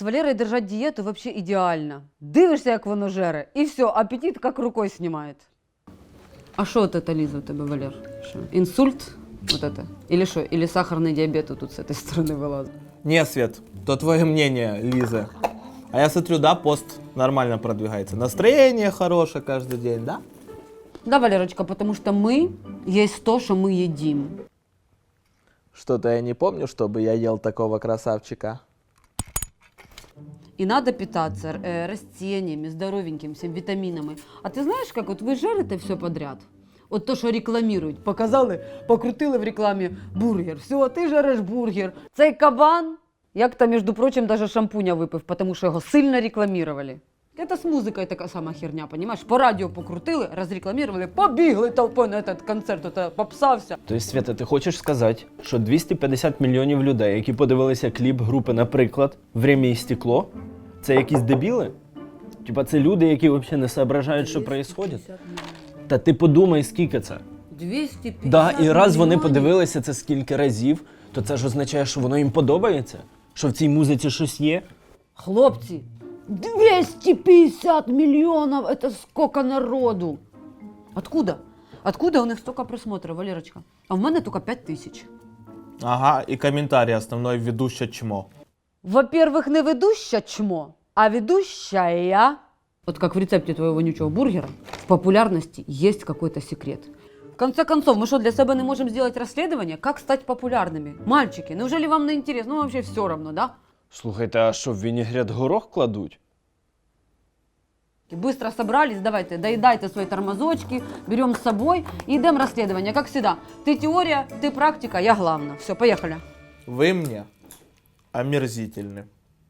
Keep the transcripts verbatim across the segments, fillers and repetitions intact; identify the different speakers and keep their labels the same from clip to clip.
Speaker 1: Валерой держать диету вообще идеально. Дивишься, як воно жере, і все, аппетит как рукой снимает. А что вот это, Лиза, у тебя, Валер? Шо? Инсульт? Вот это? Или что? Или сахарный диабет вот тут с этой стороны вылазит?
Speaker 2: Не, Свет, то твое мнение, Лиза. А я смотрю, да, пост нормально продвигается. Настроение хорошее каждый день, да?
Speaker 1: Да, Валерочка, потому что мы есть то, что мы едим.
Speaker 2: Что-то я не помню, чтобы я ел такого красавчика.
Speaker 1: И надо питаться э, растениями, здоровеньким, всем витаминами. А ты знаешь, как вот вы жарите все подряд? Вот то, що рекламують. Показали, покрутили в рекламі бургер. Все, ти жариш бургер. Цей кабан, як-то, між прочим, даже шампуня випив, тому що його сильно рекламували. Это с музыкой такая сама херня, понимаешь? По радио покрутили, разрекламировали, побігли толпой на этот концерт, это попса вся.
Speaker 3: Тобто, Свята, ти хочеш сказати, що двісті п'ятдесят мільйонів людей, які подивилися кліп групи, наприклад, «Время і стекло», це якісь дебіли? Типа це люди, які взагалі не соображають, що відбувається? Та ти подумай, скільки це.
Speaker 1: двісті п'ятдесят
Speaker 3: Да, і раз вони
Speaker 1: мільйонів.
Speaker 3: подивилися це скільки разів, то це ж означає, що воно їм подобається? Що в цій музиці щось є?
Speaker 1: Хлопці, двести пятьдесят миллионов, это сколько народу? Откуда? Откуда у них столько просмотров, Валерочка? А в мене только пять тысяч.
Speaker 2: Ага, и комментарий основной ведущая чмо.
Speaker 1: Во-первых, не ведущая чмо, а ведущая. Вот как в рецепте твоего вонючего бургера, в популярности есть какой-то секрет. В конце концов, мы что, для себя не можем сделать расследование, как стать популярными? Мальчики, неужели вам не интересно? Ну, вообще все равно, да?
Speaker 3: Слухайте, а що, в вінігрет горох кладуть?
Speaker 1: Быстро собрались, давайте, доедайте свои тормозочки, берем с собой и идем расследование, как всегда. Ты теория, ты практика, я главное. Все, поехали.
Speaker 2: Вы мне омерзительны.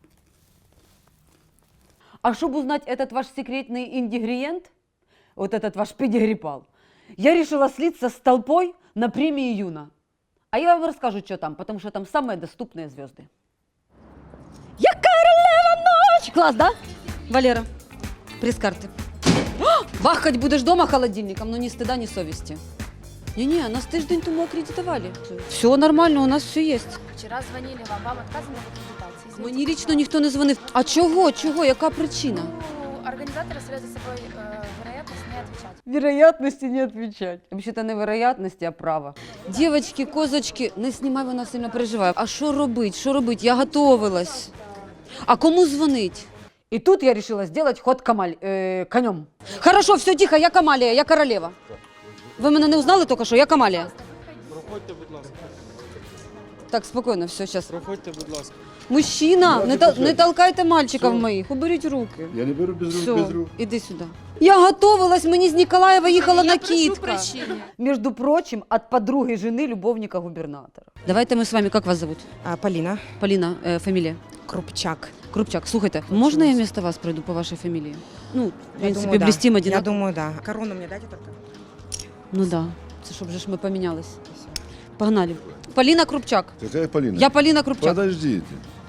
Speaker 1: А чтобы узнать этот ваш секретный ингредиент, вот этот ваш педигрипал, я решила слиться с толпой на премии Юна. А я вам расскажу, что там, потому что там самые доступные звезды. Я королева ночь! Класс, да, Валера? Пресс-карты. Бахать будешь дома холодильником, но ни стыда, ни совести. Не-не, нас тиждень тому аккредитовали. Все нормально, у нас все есть.
Speaker 4: Вчера звонили вам, вам отказано в аккредитации. Извините.
Speaker 1: Мені лично ніхто не дзвонив. А чого? Чого? Яка причина?
Speaker 4: Ну, организаторы ставят за собой э, вероятность не отвечать.
Speaker 1: Вероятности не отвечать. Вообще-то не вероятности, а право. Дівочки, козочки, не знімай, вона сильно переживає. А що робить? Що робить? Я готовилась. А кому дзвонить? І тут я решила сделать ход камаль, э, конем. Хорошо, все тихо, я Камалія, я королева. Ви мене не узнали тільки що? Я Камалія.
Speaker 5: Проходьте, будь ласка.
Speaker 1: Так, спокійно, все, зараз.
Speaker 5: Проходьте, будь ласка.
Speaker 1: Мужчина, не, тол- не толкайте мальчиків моїх, уберіть руки.
Speaker 6: Я не беру без рук,
Speaker 1: Все,
Speaker 6: без рук.
Speaker 1: іди сюди. Я готовилась, мені з Ніколаєва їхала
Speaker 4: Я
Speaker 1: накидка.
Speaker 4: прошу прощения.
Speaker 1: Между прочим, от подруги жены любовника губернатора. Давайте мы с вами, как вас зовут?
Speaker 7: А, Полина
Speaker 1: Полина, э, фамилия?
Speaker 7: Крупчак.
Speaker 1: Крупчак. Слухайте, можно я вместо вас пройду по вашей фамилии? Ну, в
Speaker 7: Я
Speaker 1: принципе,
Speaker 7: думаю, да.
Speaker 1: блестим
Speaker 7: Я
Speaker 1: одинаково.
Speaker 7: думаю, да. Корону мне дайте только.
Speaker 1: Ну да, це щоб же ж ми помінялись. Погнали. Полина Крупчак.
Speaker 6: Какая Полина?
Speaker 1: Я Полина Крупчак.
Speaker 6: Подождите.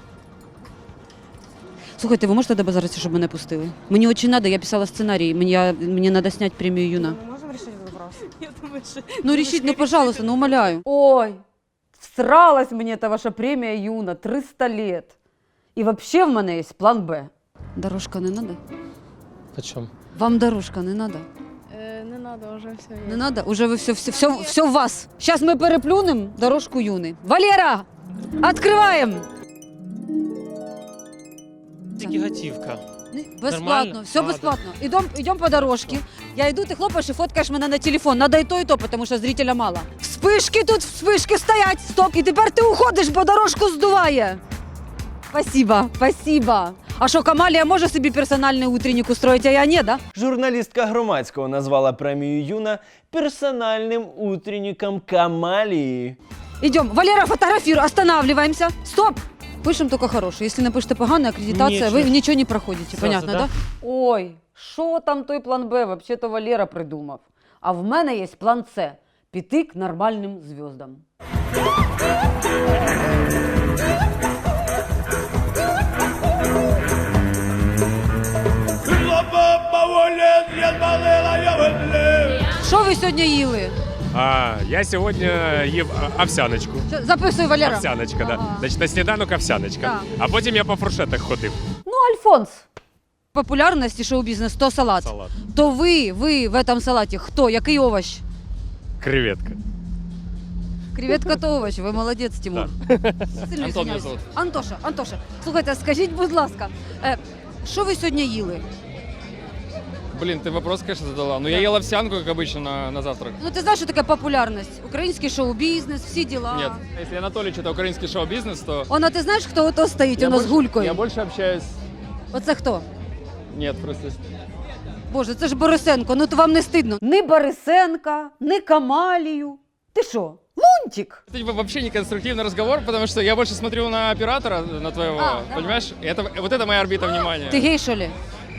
Speaker 1: Слухайте, ви можете добазаритися, щоб мене пустили? Мені дуже треба, я писала сценарій, мені, я, мені треба зняти премію Юна.
Speaker 7: Мы можем решить этот вопрос?
Speaker 4: Я думаю, что...
Speaker 1: Ну, решить, ну, пожалуйста, ну, умоляю. Ой, всралась мне эта ваша премия Юна, триста лет. И вообще в мене є план Б. Дорожка не надо?
Speaker 5: Почем?
Speaker 1: Вам дорожка не надо?
Speaker 4: Э, не надо, уже все
Speaker 1: Не надо? Уже ви все, все, все, все в вас. Сейчас ми переплюнем дорожку Юни. Валера, открываем!
Speaker 5: Тільки готівка.
Speaker 1: Бесплатно,
Speaker 5: Нормально?
Speaker 1: все
Speaker 5: А,
Speaker 1: бесплатно. Идем, идем по дорожке. Я иду, ты хлопаешь и фоткаешь меня на телефон. Надо и то, и то, потому что зрителя мало. Вспышки тут, вспышки стоять, стоп. И тепер ти уходиш, бо дорожку здуває. Спасибо, спасибо. А що, Камалія може собі персональний утренник устроїть, а я не, да?
Speaker 3: Журналістка Громадського назвала премію Юна персональним утренником Камалії.
Speaker 1: Идем. Валера, фотографируй, останавливаемся. Стоп! Пишем только хороший. Если напишете поганая аккредитация,
Speaker 5: Ничего.
Speaker 1: вы ничего не проходите.
Speaker 5: Сразу,
Speaker 1: Понятно,
Speaker 5: да?
Speaker 1: да? Ой, що там той план Б? Вообще-то Валера придумав. А в мене є план С. Піти к нормальним звездам. Що ви сьогодні їли?
Speaker 6: А, я сьогодні їв а, овсяночку.
Speaker 1: Що- Записуй, Валера.
Speaker 6: Овсяночка, да.
Speaker 1: Ага.
Speaker 6: Значить, на сніданок овсяночка.
Speaker 1: Так.
Speaker 6: А потім я по фуршетах ходив.
Speaker 1: Ну, Альфонс. Популярность и шоу-бизнес, то салат.
Speaker 6: Салат.
Speaker 1: То вы, вы в этом салате кто? Який овощ?
Speaker 6: Креветка.
Speaker 1: Креветка то овощ, ви молодець, Тимур. Сильно
Speaker 5: Антон
Speaker 1: извиняюсь.
Speaker 5: мене звуть.
Speaker 1: Антоша, Антоша, слухайте, скажіть, будь ласка, е, що ви сьогодні їли?
Speaker 5: Блин, ты вопрос, конечно, задала. Но я ел овсянку, как обычно, на, на завтрак.
Speaker 1: Ну ти знаєш, що таке популярність? Український шоу-бізнес, всі діла.
Speaker 5: Нет, если Анатолий это украинский шоу-бизнес, то...
Speaker 1: Она, ти знаєш, хто ото стоїть
Speaker 5: я
Speaker 1: у нас
Speaker 5: больше-
Speaker 1: гулькою?
Speaker 5: Я больше общаюсь...
Speaker 1: Оце хто?
Speaker 5: Нет, просто...
Speaker 1: Боже, це ж Борисенко, ну то вам не стидно. Ні Борисенка, ні Камалію. Ти що, лунтик?
Speaker 5: Это типа, вообще не конструктивный разговор, потому что я больше смотрю на оператора, на твоего,
Speaker 1: А, да.
Speaker 5: понимаешь? И это, вот это моя орбита внимания.
Speaker 1: Ти гей, що ли?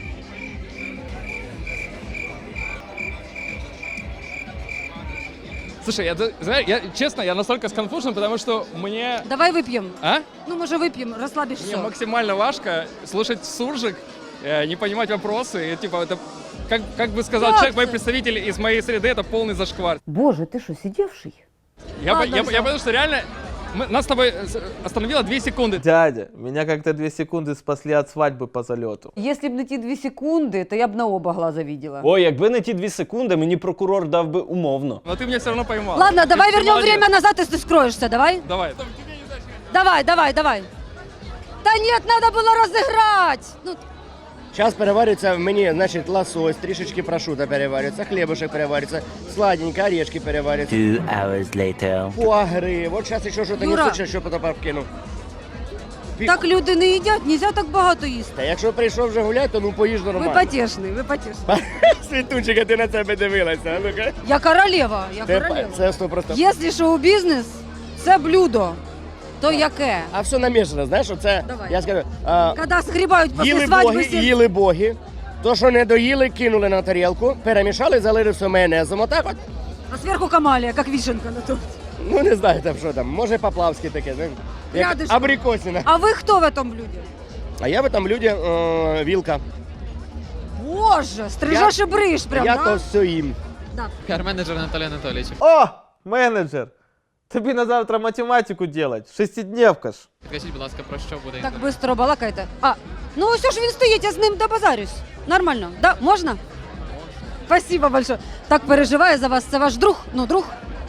Speaker 5: Слушай, я, ты знаешь, я, честно, я настолько сконфужен, потому что мне...
Speaker 1: Давай вип'ємо.
Speaker 5: А?
Speaker 1: Ну, може, вип'ємо, розслабишся.
Speaker 5: Мне максимально важко слушать суржик, э, не понимать вопросы. И, типа, это, как, как бы сказал
Speaker 1: Как
Speaker 5: человек, мой
Speaker 1: это?
Speaker 5: представитель из моей среды, это полный зашквар.
Speaker 1: Боже, ти що, сидівший?
Speaker 5: Я, по-
Speaker 1: Ладно,
Speaker 5: я,
Speaker 1: всё.
Speaker 5: я потому что реально... мы- нас с тобой э, остановило две секунды.
Speaker 2: Дядя, меня как-то две секунды спасли от свадьбы по залету.
Speaker 1: Якщо б не ті дві секунди, то я б на оба глаза видела.
Speaker 3: Ой, якби не ті дві секунди, мені прокурор дав би умовно.
Speaker 5: Но ты меня все равно поймал.
Speaker 1: Ладно,
Speaker 5: Ты-
Speaker 1: давай
Speaker 5: ты
Speaker 1: вернем
Speaker 5: молодец.
Speaker 1: время назад, если ты скроешься, давай?
Speaker 5: Давай.
Speaker 1: Давай, давай, давай. Да нет, надо было разыграть. Ну,
Speaker 8: Зараз переварюється в мені, значить, лосось, трішечки прошута переварюється, хлібушек переварюється, сладенько, орешки переварюються.
Speaker 9: Two hours later.
Speaker 8: Фуагри. Вот зараз ще щось
Speaker 1: Юра.
Speaker 8: несуть, що потім вкину.
Speaker 1: так люди не їдять, нельзя так багато їсти.
Speaker 8: Та якщо прийшов вже гуляти, то ну поїж
Speaker 1: Ви
Speaker 8: нормально.
Speaker 1: потішний, ви потішний.
Speaker 8: Світунчика, ти на себе дивилася, ну-ка.
Speaker 1: Я королева, я
Speaker 8: Це,
Speaker 1: королева.
Speaker 8: це сто процентів.
Speaker 1: Якщо шоу-бізнес, це блюдо, то яке?
Speaker 8: А все намішано, знаєш, оце,
Speaker 1: Давай.
Speaker 8: я скажу, а,
Speaker 1: Коли згрібають після
Speaker 8: їли
Speaker 1: свадьби
Speaker 8: боги,
Speaker 1: всі...
Speaker 8: їли боги, то, що не доїли, кинули на тарілку, перемішали, залили все майонезом, отак от.
Speaker 1: А зверху камалія, як вишенка на торті.
Speaker 8: Ну не знаю там, що там, може по-плавськи таке, знаєш, як
Speaker 1: Рядышком.
Speaker 8: абрикосина.
Speaker 1: А ви хто в этом блюді?
Speaker 8: А я в этом люди е, вілка.
Speaker 1: Боже, стрижеш і бриш прям,
Speaker 8: я
Speaker 1: да?
Speaker 8: то все їм.
Speaker 1: Да.
Speaker 5: Пиар-менеджер Анатолий Анатольевич.
Speaker 2: О, менеджер! Тобі на завтра математику делать, шестидневка ж.
Speaker 5: Скажіть, будь ласка, про що буде?
Speaker 1: Так швидко балакайте. А, ну ось ж він стоїть, я з ним добазарюсь. Нормально. Да, можна? Спасибо большое. Так переживаю за вас. Це ваш друг? Ну, друг.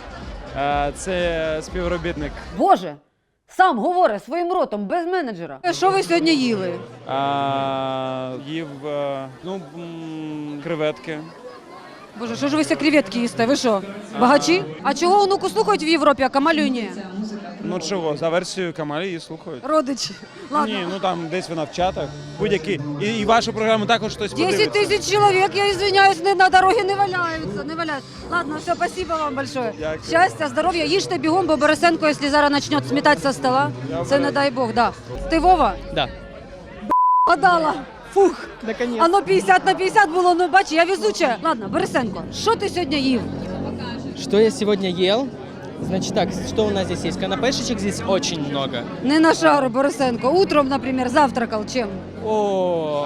Speaker 5: Це співробітник.
Speaker 1: Боже, сам говорить своїм ротом, без менеджера. Що ви сьогодні їли?
Speaker 5: А, їв ну, креветки.
Speaker 1: Боже, що ж ви ся креветки їсте? Ви що, багачі? А чого онуку слухають в Європі, а Камалю ні?
Speaker 10: Ну чого, за версією Камалі її слухають.
Speaker 1: Родичі. Ладно.
Speaker 10: Ні, ну там десь вона в чатах. Будь-які. І, і вашу програму також хтось
Speaker 1: десять
Speaker 10: подивиться.
Speaker 1: тысяч человек, я извиняюсь, не на дороге не валяються, не валяються. Ладно, все, спасибо вам большое.
Speaker 10: Дякую.
Speaker 1: Щастя, здоров'я, їжте бігом, бо Борисенко, якщо зараз почне сметати со стола, це не дай Бог, да. Ти Вова?
Speaker 5: Да.
Speaker 1: Подала. Фух.
Speaker 5: Наконец.
Speaker 1: А ну п'ятдесят на п'ятдесят було, ну бач, я везуча. Ладно, Борисенко, що ти сьогодні їв?
Speaker 11: Что я сегодня ел? Значит так, что у нас здесь есть? Канапешечек здесь очень много.
Speaker 1: Не на шару, Борисенко. Утром, например, завтракал чем?
Speaker 11: О,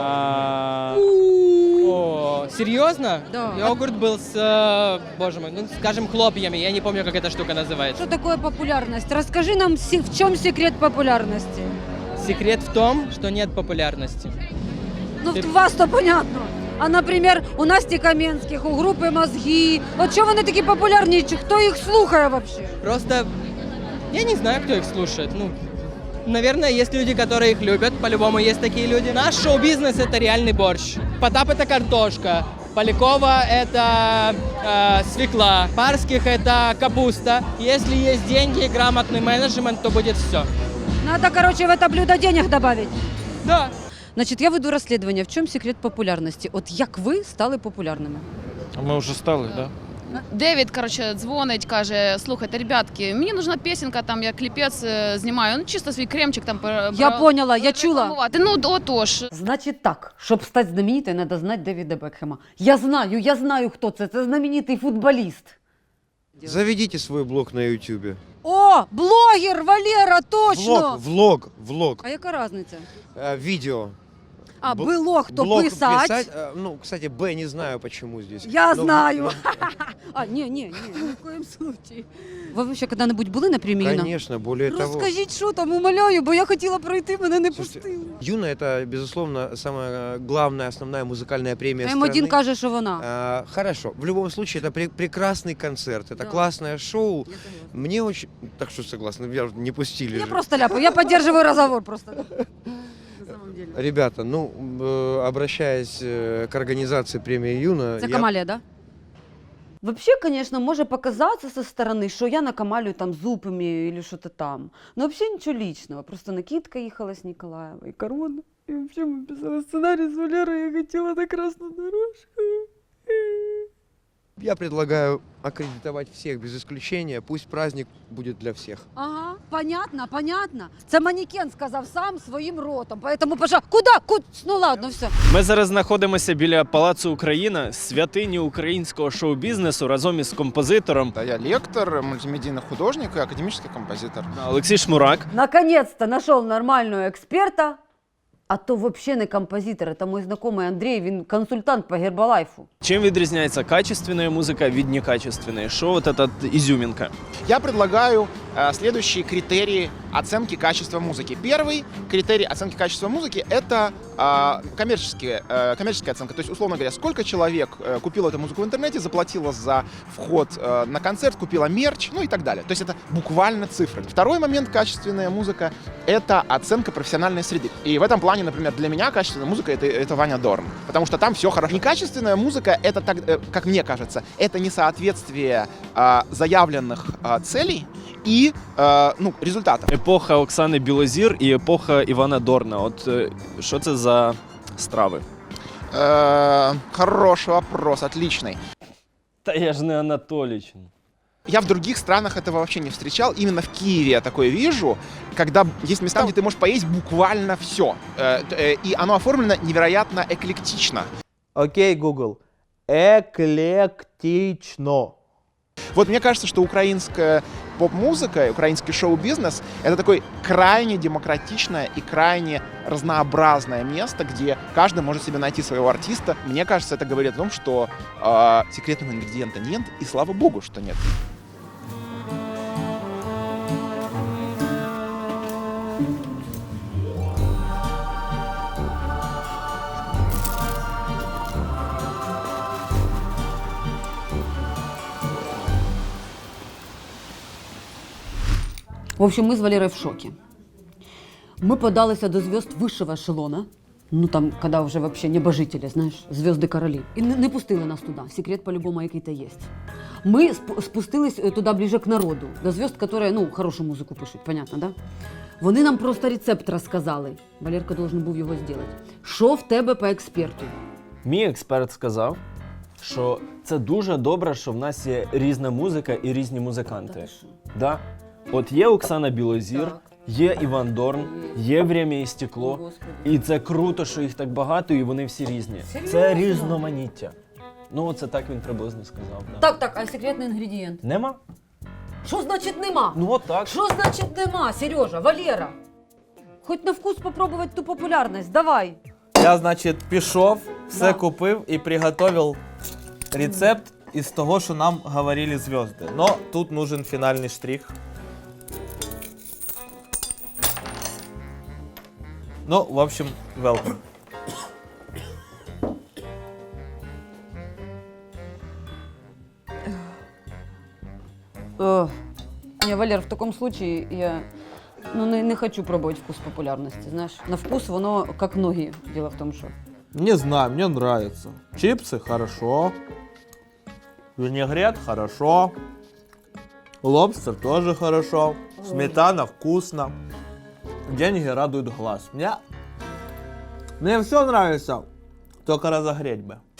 Speaker 11: о, серьезно?
Speaker 1: Да.
Speaker 11: Йогурт был с, э, боже мой, ну скажем, хлопьями. Я не помню, как эта штука называется.
Speaker 1: Что такое популярность? Расскажи нам, си- в чем секрет популярности?
Speaker 11: Секрет в том, что нет популярности.
Speaker 1: Ну,
Speaker 11: Ты-
Speaker 1: в вас-то понятно. А, например, у Насті Каменських, у групи «Мозги». От чого вони такі популярні? Чи хто їх слухає вообще?
Speaker 11: Просто я не знаю, кто их слушает. Ну, наверное, есть люди, которые их любят. По-любому есть такие люди. Наш шоу-бизнес — это реальный борщ. Потап — это картошка. Полякова — это э, свекла. Парских — это капуста. Если есть деньги и грамотный менеджмент, то будет все.
Speaker 1: Надо, короче, в это блюдо денег добавить.
Speaker 11: Да.
Speaker 1: Значить, я веду розслідування. В чому секрет популярності? От як ви стали популярними?
Speaker 5: Ми вже стали, да?
Speaker 4: Девід, коротше, дзвонить, каже: слухайте, ребятки, мені нужна пісенька, там я кліпець е, знімаю, ну чисто свій кремчик там пер-
Speaker 1: Я
Speaker 4: пер-
Speaker 1: поняла, я чула.
Speaker 4: рекламувати. Ну, отож.
Speaker 1: Значить так, щоб стати знаменитою, треба знати Девіда Бекхема. Я знаю, я знаю, хто це. Це знаменитий футболіст.
Speaker 12: Заведите свой блог на ютубе.
Speaker 1: О, блогер, Валера, точно!
Speaker 12: Влог, влог, влог.
Speaker 1: А яка різниця?
Speaker 12: Э, видео.
Speaker 1: А,
Speaker 12: Бл-
Speaker 1: было кто
Speaker 12: блок
Speaker 1: писать.
Speaker 12: писать, э, ну, кстати, Б не знаю, почему здесь.
Speaker 1: Я
Speaker 12: Но-
Speaker 1: знаю.
Speaker 12: но-
Speaker 1: А, не, не, не, ни в коем случае. Ви вообще когда-нибудь були на премії Юна?
Speaker 12: Конечно, более того.
Speaker 1: Розкажіть, що там, умоляю, бо я хотіла пройти, мене не
Speaker 12: Слушайте,
Speaker 1: пустили.
Speaker 12: Юна — это, безусловно, самая главная, основная музыкальная премия
Speaker 1: М один
Speaker 12: страны.
Speaker 1: каже, що вона.
Speaker 12: А, хорошо. В любом случае, это пре- прекрасный концерт, это
Speaker 1: Да.
Speaker 12: классное шоу.
Speaker 1: Я согласна.
Speaker 12: Мне очень... Так что согласна, меня не пустили
Speaker 1: Я
Speaker 12: же.
Speaker 1: просто ляпаю, я поддерживаю разговор просто. На самом деле.
Speaker 12: Ребята, ну, э, обращаясь э, к организации премии Юна...
Speaker 1: Це
Speaker 12: я-
Speaker 1: Камалія, да? Вообще, конечно, може показатися со стороны, що я накамалюю там зуб имею или что-то там. Но вообще ничего личного. Просто Никитка ехала с Николаева и Корона. И вообще мы писали сценарий с Валерой, я хотела на красную дорожку.
Speaker 12: Я предлагаю аккредитовать всех без исключения. Пусть праздник будет для всех.
Speaker 1: Ага, понятно, понятно. Це манекен сказав сам своїм ротом. Поэтому, пожалуйста, куда? Куд? Ну ладно, все.
Speaker 3: Ми зараз знаходимося біля Палацу Україна, святині українського шоу-бізнесу, разом із композитором
Speaker 9: Да, я лектор, мультимедийный художник и академический композитор.
Speaker 3: Олексій Шмурак.
Speaker 1: Наконец-то нашел нормального експерта. А то вообще не композитор, это мой знакомый Андрей, він консультант по Гербалайфу.
Speaker 3: Чим відрізняється качественная музыка від некачественной? Что вот эта изюминка?
Speaker 9: Я предлагаю э, следующие критерии оценки качества музыки. Первый критерий оценки качества музыки — это э, коммерческие, э, коммерческая оценка. То есть, условно говоря, сколько человек э, купило эту музыку в интернете, заплатило за вход э, на концерт, купило мерч, ну и так далее. То есть это буквально цифры. Второй момент качественная музыка — это оценка профессиональной среды. И в этом плане, например, для меня качественная музыка — это, это Ваня Дорн. Потому что там все хорошо. Некачественная музыка — это, так, э, как мне кажется, это несоответствие э, заявленных э, целей и э, ну, результатов.
Speaker 3: Епоха Оксани Білозір і епоха Івана Дорна. От е, що це за страви?
Speaker 9: Э, хороший вопрос, отличный.
Speaker 3: Та я ж не Анатоліч.
Speaker 9: Я в других странах этого вообще не встречал. Именно в Киеве я такое вижу, когда есть места, где ты можешь поесть буквально все. И оно оформлено невероятно эклектично.
Speaker 2: Окей, Google. Эклектично.
Speaker 9: Вот мне кажется, что украинская поп-музыка, украинский шоу-бизнес — это такое крайне демократичное и крайне разнообразное место, где каждый может себе найти своего артиста. Мне кажется, это говорит о том, что э, секретного ингредиента нет, и слава богу, что нет.
Speaker 1: В общем, мы с Валерой в шоке. Мы подалися до звезд высшего эшелона. Ну там, когда уже вообще небожители, знаешь, звезды короли. І не, не пустили нас туди. Секрет по-любому який-то є. Ми сп- спустились туди ближе к народу, до звезд, які, ну, хорошу музику пишуть, понятно, да? Вони нам просто рецепт розказали. Валерка должен був його зробити. Що в тебе по експерту?
Speaker 3: Мій експерт сказав, що це дуже добре, що в нас є різна музика і різні музиканти. Да? От є Оксана Білозір,
Speaker 1: Так.
Speaker 3: є Іван Дорн, є «Время і стекло».
Speaker 1: Господи.
Speaker 3: І це круто, що їх так багато, і вони всі різні.
Speaker 1: Серйозно?
Speaker 3: Це різноманіття. Ну, це так він приблизно сказав. Да.
Speaker 1: Так, так, а секретний інгредієнт?
Speaker 3: Нема?
Speaker 1: Що значить нема?
Speaker 3: Ну от так.
Speaker 1: Що значить нема, Сережа, Валера? Хоч на вкус попробувати ту популярність, давай.
Speaker 2: Я, значить, пішов, все
Speaker 1: Да.
Speaker 2: купив і приготовив рецепт із того, що нам говорили звезды. Но тут нужен фінальний штрих. Ну, в общем, welcome.
Speaker 1: Ох. Не, Валер, в таком случае я ну, не, не хочу пробовать вкус популярности, знаешь. На вкус воно как ноги, дело в том, что...
Speaker 2: Не знаю, мне нравится. Чипсы хорошо. Винегрет хорошо. Лобстер тоже хорошо. Сметана вкусно. Деньги радуют глаз. Мне, мне все нравится. Только разогреть бы.